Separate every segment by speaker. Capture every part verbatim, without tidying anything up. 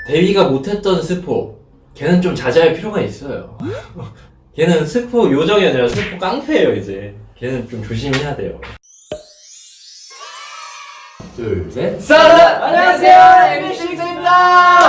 Speaker 1: 대위가 못했던 스포, 걔는 좀 자제할 필요가 있어요. 걔는 스포 요정이 아니라 스포 깡패예요 이제. 걔는 좀 조심해야 돼요. 둘, 셋.
Speaker 2: 썰라! 안녕하세요, 엠비식스입니다.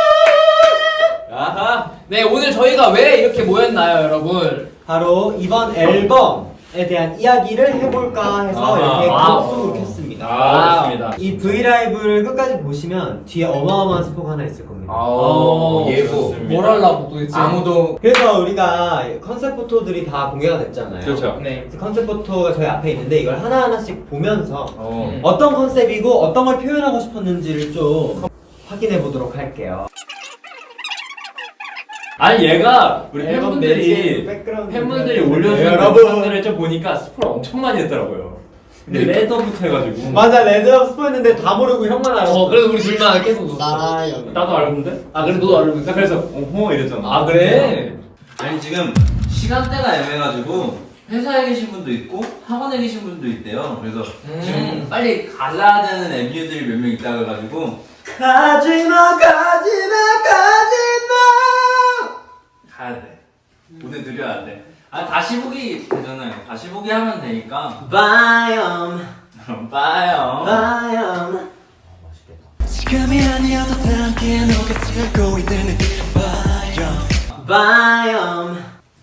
Speaker 1: 아하.
Speaker 2: 네, 오늘 저희가 왜 이렇게 모였나요, 여러분?
Speaker 3: 바로 이번 앨범에 대한 이야기를 해볼까 해서
Speaker 1: 아하.
Speaker 3: 이렇게
Speaker 2: 와우.
Speaker 3: 각속을 켰습니다.
Speaker 1: 아, 좋습니다.
Speaker 3: 이 브이라이브를 끝까지 보시면 뒤에 어마어마한 스포가 하나 있을 겁니다.
Speaker 2: 어,
Speaker 1: 예고.
Speaker 2: 뭘 하려고 도대체?
Speaker 1: 아무도.
Speaker 3: 그래서 우리가 컨셉 포토들이 다 공개가 됐잖아요.
Speaker 1: 그렇죠.
Speaker 2: 네.
Speaker 3: 그래서 컨셉 포토가 저희 앞에 있는데 이걸 하나하나씩 보면서
Speaker 1: 어.
Speaker 3: 어떤 컨셉이고 어떤 걸 표현하고 싶었는지를 좀 확인해 보도록 할게요.
Speaker 1: 아니 얘가 우리
Speaker 3: 앨범
Speaker 1: 팬분들이
Speaker 3: 매직, 백그라운드
Speaker 1: 팬분들이
Speaker 3: 네,
Speaker 1: 올려주는
Speaker 3: 여러분.
Speaker 1: 영상들을 좀 보니까 스포를 엄청 많이 했더라고요. 근데 레더부터 해가지고.
Speaker 3: 맞아, 레드업 스포했는데 다 모르고 형만 알았어.
Speaker 2: 어, 그래서 우리 둘만 계속.
Speaker 3: 아, 여기.
Speaker 1: 나도 알았는데?
Speaker 2: 아, 그래, 너도 알고 있어?
Speaker 1: 나 그래서 어허 이랬잖아.
Speaker 2: 아, 그래?
Speaker 4: 아니 지금 시간대가 애매가지고 회사에 계신 분도 있고 학원에 계신 분도 있대요. 그래서
Speaker 2: 음.
Speaker 4: 지금 빨리 가야 되는 엠유들이 몇 명 있다 그래가지고
Speaker 3: 가지마, 가지마, 가지마.
Speaker 4: 가야 돼. 보내드려야 돼. 아 다시 보기 되잖아요. 다시 보기 하면 되니까.
Speaker 3: 바이옴,
Speaker 4: 그럼 봐요.
Speaker 3: 바이옴.
Speaker 5: 지금이 아니어도 다 함께 녹아들고 있는 바이옴
Speaker 3: 바이옴.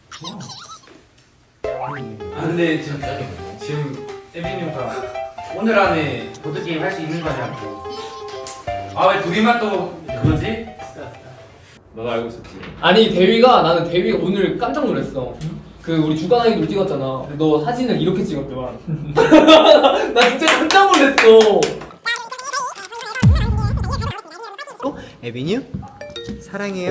Speaker 6: 아 근데 지금 지금 에비님과 오늘 안에 보드게임 할 수 있는 거냐고. 아 왜 둘이만 또 그거지?
Speaker 1: 너도 알고 있었지.
Speaker 2: 아니, 대위가, 나는 대위가 오늘 깜짝 놀랐어. 그, 우리 주간 아이돌 찍었잖아. 너 사진을 이렇게 찍었더만. 나 진짜 깜짝 놀랐어.
Speaker 3: 에비뉴 사랑해요.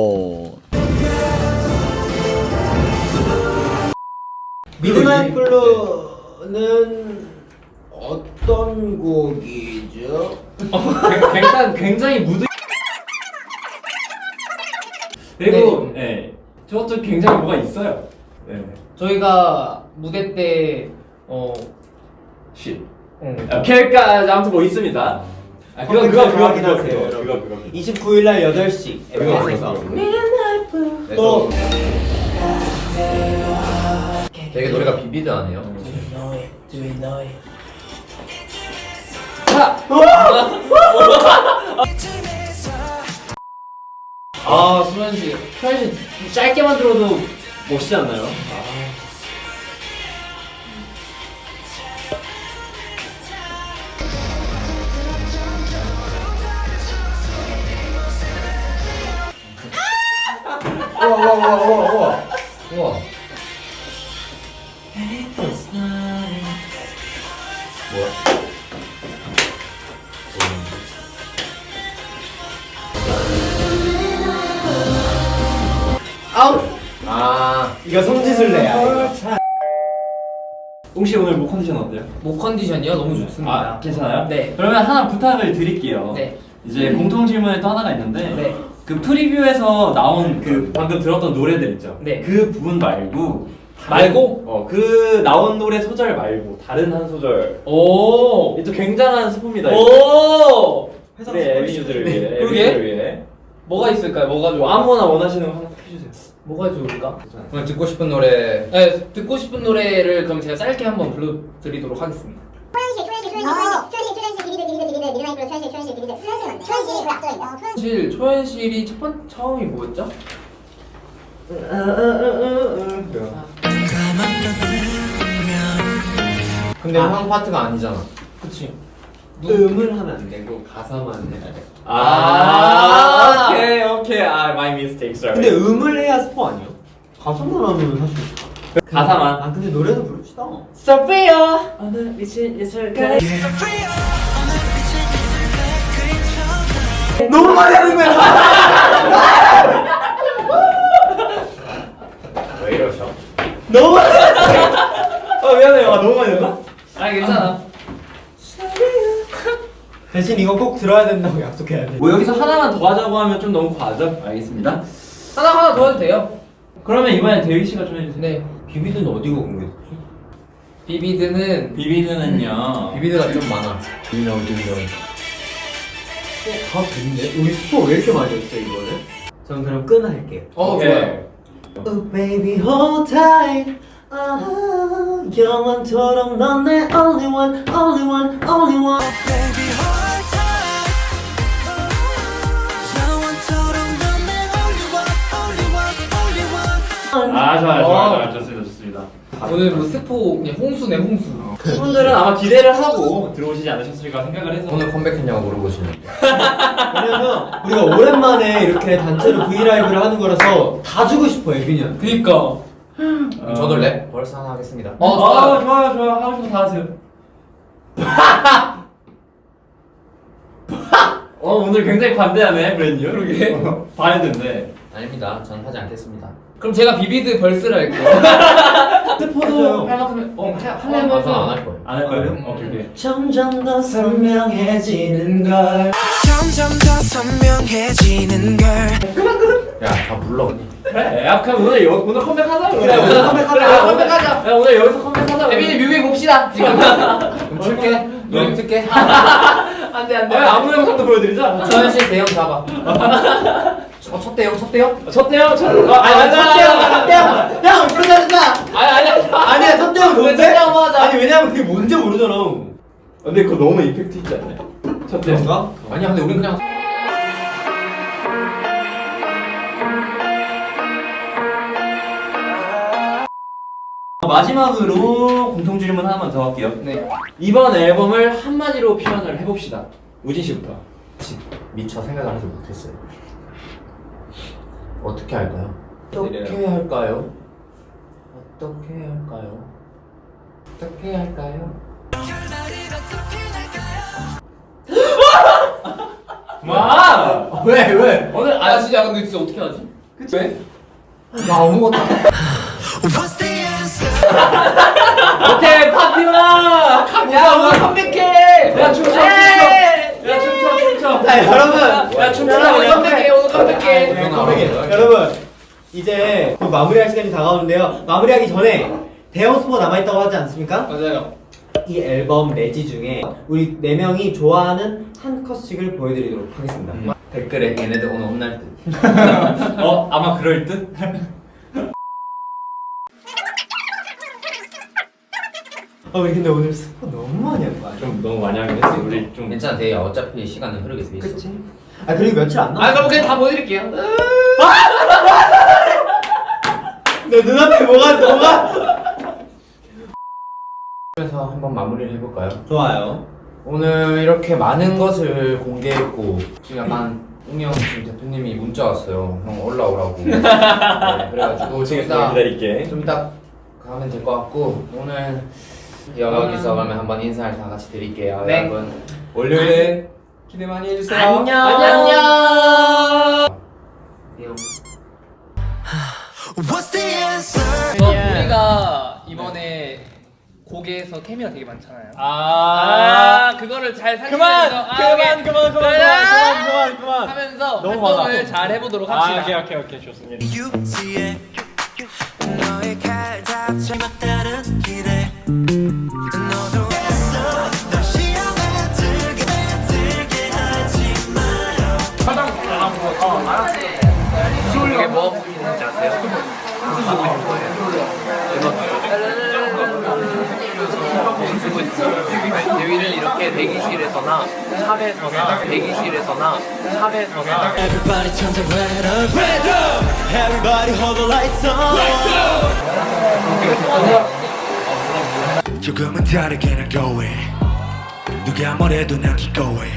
Speaker 3: 미드나잇 블루는 어떤 곡이죠?
Speaker 1: 굉장히 굉장히 무드. 그리고 네. 저것도 굉장히 뭐가 있어요. 네.
Speaker 2: 저희가 무대 때, 어,
Speaker 1: 쉿.
Speaker 2: 응.
Speaker 1: 아, 캐릭터 아무튼 뭐 있습니다. 아, 그거 그거 그거 그거
Speaker 3: 확인하세요,
Speaker 1: 그거
Speaker 3: 여러분.
Speaker 1: 그거 그거.
Speaker 3: 이십구 일 날 여덟 시 엠비에스에서 또
Speaker 1: 되게 노래가 비비드 아니에요? 아, 수현 씨, 수현 씨 짧게만 들어도 멋있지 않나요?
Speaker 3: 우와 우와 우와 우와 우와
Speaker 1: 우와.
Speaker 2: 아우!
Speaker 1: 아,
Speaker 3: 이거 성지순례야. 이거.
Speaker 1: 웅씨 오늘 목 컨디션 어때요?
Speaker 2: 목 컨디션이요? 너무 좋습니다.
Speaker 1: 아, 괜찮아요?
Speaker 2: 네.
Speaker 1: 그러면 하나 부탁을 드릴게요.
Speaker 2: 네.
Speaker 1: 이제 공통 질문이 또 하나가 있는데
Speaker 2: 네.
Speaker 1: 그 프리뷰에서 나온 그 방금 들었던 노래들 있죠?
Speaker 2: 네.
Speaker 1: 그 부분 말고 다른-
Speaker 2: 말고?
Speaker 1: 어, 그 나온 노래 소절 말고 다른 한 소절.
Speaker 2: 오!
Speaker 1: 이게 또 굉장한 스포입니다.
Speaker 2: 오!
Speaker 3: 회사
Speaker 1: 우리 에비뉴들을 위해,
Speaker 2: 그러게.
Speaker 1: 에비뉴들을 위해.
Speaker 2: 뭐가 있을까요? 뭐가
Speaker 1: 뭐
Speaker 2: 좋아?
Speaker 1: 아무거나 원하시는 거 하나 해주세요.
Speaker 2: 뭐가 좋을까?
Speaker 7: 오늘 듣고 싶은 노래
Speaker 2: 네, 듣고 싶은 노래를 그럼 제가 짧게 한번 불러드리도록 하겠습니다.
Speaker 8: 초현실, 초현실, 초현실, 초현실, 초현실, 비비드, 비비드, 비비드, 미드나잇 블루, 초현실, 초현실, 비비드, 초현실 맞네. 초현실이 그 앞쪽에 있다.
Speaker 2: 사실 초현실이 첫 번, 처음이 뭐였죠?
Speaker 7: 근데 형 파트가 아니잖아.
Speaker 2: 그치.
Speaker 3: 음을 하면 안 되고 가사만 해야 돼.
Speaker 1: 아, 오케이, 오케이. 아, my mistake, sorry.
Speaker 3: 근데 음을 해야 스포 아니야? 가사만 하면 사실.
Speaker 1: 가사만.
Speaker 3: 아 근데 노래도 부릅시다.
Speaker 2: 소피아!
Speaker 1: 오늘 미친 예술가.
Speaker 3: 너무 많이 하는 거야.
Speaker 1: 왜 이러셔?
Speaker 3: 너무 많이.
Speaker 1: 아, 미안해요. 아, 너무 많이 했나?
Speaker 2: 아니 괜찮아.
Speaker 3: 대신 이거 꼭 들어야 된다고 약속해야 돼.
Speaker 1: 뭐 여기서 하나만 더 하자고 하면 좀 너무 과하죠? 알겠습니다.
Speaker 2: 하나 하나 더 해도 돼요.
Speaker 1: 그러면 이번엔 대휘 씨가 좀 해주세요.
Speaker 2: 네.
Speaker 3: 비비드는 어디가 공개됐지?
Speaker 2: 비비드는
Speaker 1: 비비드는요.
Speaker 7: 비비드가 좀 많아.
Speaker 1: 비비드 비비드.
Speaker 3: 다 됐네? 우리 스포 왜 이렇게 많이 했어 이거는? 저는 그럼 끈 할게요.
Speaker 2: 어
Speaker 1: 오케이.
Speaker 2: 좋아요.
Speaker 3: Oh baby hold tight. 아, 영원토록 넌 내 only one, only one, only one.
Speaker 5: Baby hold tight 영원토록 넌 내 only one, only one, only one.
Speaker 1: 아 좋아요
Speaker 2: 어.
Speaker 1: 좋아요 좋아요 좋습니다 좋습니다.
Speaker 2: 오늘 뭐 스포 그냥 홍수네 홍수.
Speaker 1: 분들은 아마 기대를 하고 들어오시지 않으셨을까 생각을 해서
Speaker 7: 오늘 컴백했냐고 물어보시는데
Speaker 3: 왜냐면 우리가 오랜만에 이렇게 단체로 브이라이브를 하는 거라서 다 주고 싶어 에비니언.
Speaker 2: 그니까.
Speaker 7: 그럼 저도 랩 벌써 하나 하겠습니다.
Speaker 2: 어
Speaker 1: 아
Speaker 2: 좋아요.
Speaker 1: 좋아요 좋아요 하고 싶은 거 다 하세요. 어 오늘 굉장히 관대하네 브랜뉴.
Speaker 2: 그러게.
Speaker 1: 봐야된데.
Speaker 7: 아닙니다. 전 하지 않겠습니다.
Speaker 2: 그럼 제가 비비드 벌스를 할게요.
Speaker 1: 스포도 할 만큼 어 하- 하려면
Speaker 7: 아, 저는 안 할 거예요.
Speaker 1: 안 할 거예요? 오케이 오케이.
Speaker 3: 점점 더 선명해지는 걸.
Speaker 5: 점점 더 선명해지는 걸
Speaker 7: 야, 다 불러 언니.
Speaker 1: 그래 야 그럼 오늘 여, 오늘 컴백하자
Speaker 2: 그래, 오늘 컴백하자.
Speaker 1: 그래, 오늘 컴백하자. 야 오늘 여기서 컴백하자.
Speaker 2: 에빈이 뮤비 봅시다 지금.
Speaker 7: 그럼 틀게. 노래 틀게.
Speaker 2: 안돼 안돼.
Speaker 1: 아, 아무 영상도 보여드리자.
Speaker 7: 서현 씨 대형 잡아. 어, 첫 대형, 첫 대형?
Speaker 1: 첫 대요 첫. 어, 아니 아니 첫 대요 첫 대요.
Speaker 3: 형 그러지 않는다.
Speaker 2: 아니 아니.
Speaker 3: 아니야 첫 대형
Speaker 2: 왜
Speaker 3: 뭔데?
Speaker 2: 첫 대형 하자.
Speaker 3: 아니 왜냐면 그게 뭔지 모르잖아.
Speaker 1: 근데 그거 너무 이펙트 있지 않나요? 첫 대요.
Speaker 3: 그런가?
Speaker 7: 아니야, 근데 우린 그냥
Speaker 1: 마지막으로 공통 질문 하나만 더 할게요.
Speaker 2: 네.
Speaker 1: 이번 앨범을 한마디로 표현을 해봅시다. 우진 씨부터.
Speaker 7: 미처 생각을 하지 못했어요. 어떻게 할까요? 어떻게 할까요? 어떻게 할까요? 어떻게 할까요?
Speaker 1: 와!
Speaker 3: 왜 왜?
Speaker 1: 오늘
Speaker 2: 아 진짜 근데 진짜 어떻게 하지? 그치? 왜?
Speaker 7: 나 아무것도 안
Speaker 5: What's the answer?
Speaker 1: 오케이 파티마!
Speaker 2: 야 오늘 컴백해.
Speaker 1: 야 춤춰 춤춰! 야 춤춰 춤춰!
Speaker 3: 자 여러분.
Speaker 1: 야 춤춰!
Speaker 2: 야 오늘 컴백해 오늘
Speaker 7: 아,
Speaker 2: 컴백해.
Speaker 7: 그냥
Speaker 3: 컴백해.
Speaker 7: 알아.
Speaker 3: 여러분 이제 곧 마무리할 시간이 다가오는데요. 마무리하기 전에 대형 스포 남아있다고 하지 않습니까?
Speaker 2: 맞아요.
Speaker 3: 이 앨범 내지 중에 우리 네 명이 좋아하는 한 컷씩을 보여드리도록 하겠습니다.
Speaker 7: 음. 댓글에 얘네들 오늘 혼날 듯.
Speaker 1: 어? 아마 그럴 듯?
Speaker 3: 아 우리 근데 오늘 스포 너무 많이 한 거 아니야?
Speaker 1: 좀 너무 많이 하긴 했어. 우리 좀
Speaker 7: 괜찮아, 대야. 어차피 시간은 흐르게 돼 있어.
Speaker 3: 그치? 아 그리고 며칠 안
Speaker 2: 아
Speaker 3: 남았어.
Speaker 2: 그럼 그냥 다 보여드릴게요.
Speaker 3: 내 눈앞에 뭐가 뭐가?
Speaker 7: 그래서 한번 마무리를 해볼까요?
Speaker 3: 좋아요.
Speaker 7: 오늘 이렇게 많은 것을 공개했고 지금 약간 웅영 지금 대표님이 문자 왔어요. 형 올라오라고. 네, 그래가지고 좀 이따
Speaker 1: 기다릴게.
Speaker 7: 좀 이따 가면 될 것 같고 오늘 여기서 그러면 한번 인사를 다 같이 드릴게요.
Speaker 2: 네.
Speaker 7: 여러분 월요일에 기대 많이 해주세요.
Speaker 3: 안녕.
Speaker 2: 안녕.
Speaker 5: What's the answer?
Speaker 2: 어, 우리가 이번에 곡에서 케미가 되게 많잖아요. 아, 그거를 잘 살리면서 그만, 아, 그만, 그만, 그만, 그만, 그만, 그만, 그만 하면서
Speaker 1: 너무
Speaker 2: 활동을
Speaker 1: 많아.
Speaker 2: 잘 해보도록 합시다.
Speaker 1: 오케이 오케이 오케이 좋습니다.
Speaker 5: 유지에 너의 칼답지 막다른 기대 너도 했어 널 시험에 들게 들게 하지 마요
Speaker 2: 이게 뭐 하고 있는지 아세요? 쓰고 있는 거예요. 대위를 이렇게 대기실에서나 샵에서나 대기실에서나 샵에서나
Speaker 5: Everybody turn the red up red up Everybody hold the lights on 조금은 다르게 날 go away 누가 뭐래도 난 keep going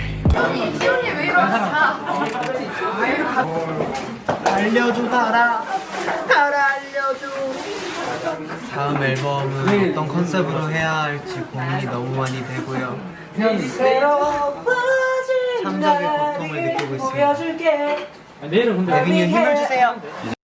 Speaker 3: 알려줘 달아 달아 알려줘. 다음 앨범은 어떤 컨셉으로 해야 할지 고민이 너무 많이 되고요. 창작의 고통을 느끼고 있습니다.
Speaker 1: 내일은 근데
Speaker 3: 에빈이 힘을 주세요.